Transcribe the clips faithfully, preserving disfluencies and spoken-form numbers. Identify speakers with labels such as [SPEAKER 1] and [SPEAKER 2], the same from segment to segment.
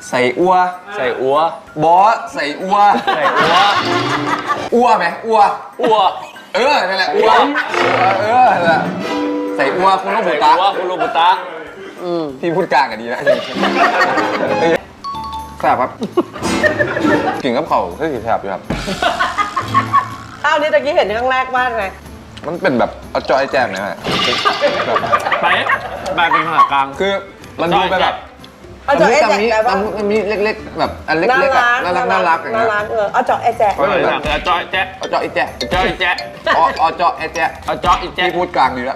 [SPEAKER 1] ใส่อัว
[SPEAKER 2] ใส่อัว
[SPEAKER 1] บอสใส่อัว
[SPEAKER 2] ใส่อัว
[SPEAKER 1] อัวไหมอัว
[SPEAKER 2] อัว
[SPEAKER 1] เออนั่นแหละอัวเออนั่นแหละใส่อัวคุณลูกบุตา
[SPEAKER 2] อัวคุณลูกบุตา
[SPEAKER 1] พี่พูดกลางกันดีนะแสบครับกินกับเขาคือแสบอยู่ครับ
[SPEAKER 3] ข้าวนี้ตะกี้เห็นครั้งแรกมากไง
[SPEAKER 1] มันเป็นแบบเอาจอยแจมนะฮะ
[SPEAKER 2] ไปไปเป็นภาษากลาง
[SPEAKER 1] คือมันดูไปแบบ
[SPEAKER 3] เอาจอแอแจกแบบว่า
[SPEAKER 1] มันมีเล็กๆแบบอันเล็กๆน่ารักน่ารักอย่างเงี้ย
[SPEAKER 3] น่ารักเออเอาจอแอแจก
[SPEAKER 2] เอาจอยแจ๊
[SPEAKER 1] เอาจอยแจ๊
[SPEAKER 2] จอยแจ๊
[SPEAKER 1] อ๋อเอาจอยแจ๊
[SPEAKER 2] เอาจอยแจ๊
[SPEAKER 1] พี่พูดกลางดีแล้ว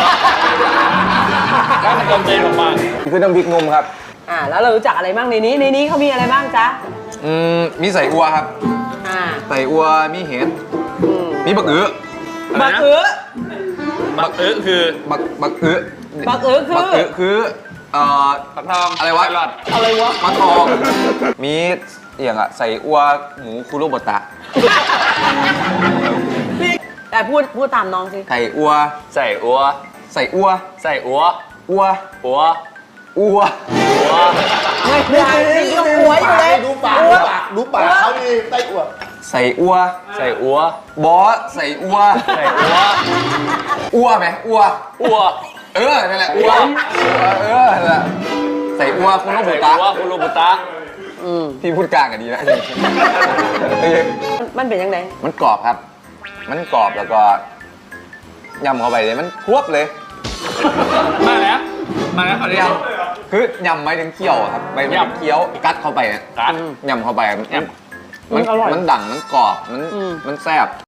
[SPEAKER 2] แล้วมันเติมเต็มลงมา
[SPEAKER 1] คือน้ำพริกนมครับ
[SPEAKER 3] อ่าแล้วเรารู้จักอะไรบ้างในนี้ในนี้เขามีอะไรบ้างจ๊ะ
[SPEAKER 1] อืมมีใส่อัวครับ
[SPEAKER 3] อ่า
[SPEAKER 1] ใส่อัวมีเห็ดมีบักอื้อ
[SPEAKER 3] บักอื้อ
[SPEAKER 2] บักอื้อคือ
[SPEAKER 1] บักบักอื้อ
[SPEAKER 3] บักอื้อคือ
[SPEAKER 1] บักอื้อคือเอ่อ
[SPEAKER 2] ปักทอง
[SPEAKER 1] อะไรวะ
[SPEAKER 3] อะไรวะ
[SPEAKER 1] ปักทองมีอย่างอะใส่อัวหมูคุโรบุตะ
[SPEAKER 3] แต่พูดพูดตามน้องสิ
[SPEAKER 1] ใส่อัว
[SPEAKER 2] ใส่อัว
[SPEAKER 1] ใส่อัว
[SPEAKER 2] ใส่อัว
[SPEAKER 1] อัว
[SPEAKER 2] อัว
[SPEAKER 1] อัว
[SPEAKER 2] อัว
[SPEAKER 3] ไม่ใช่นี่ต้องอัวอยู่เลย
[SPEAKER 4] ดูปากดูปากดูปากเขาดีใส่อัว
[SPEAKER 1] ใส่อัว
[SPEAKER 2] ใส่อัว
[SPEAKER 1] บอสใส่อัว
[SPEAKER 2] ใส่อัว
[SPEAKER 1] อัวไหมอัว
[SPEAKER 2] อัว
[SPEAKER 1] เออนั่นแหละอัวเออนั่นแหละใส่อัวคุณลูกบุตา
[SPEAKER 2] อัวคุณลูกบุตา
[SPEAKER 1] พี่พูดกลางกันดีนะ
[SPEAKER 3] มันเป็นยังไง
[SPEAKER 1] มันกรอบครับมันกรอบแล้วก็ยำเข้าไปเลยมันควบเลย
[SPEAKER 2] มาแล้วมาแล้วเขาเรียก
[SPEAKER 1] คือยำไม่ถึงเคี้ยวครับไม่ถึงเคี้ยวกัดเข้าไปกัดยำเข้าไปมันมันมันดังมันกรอบมันมันแซ่บ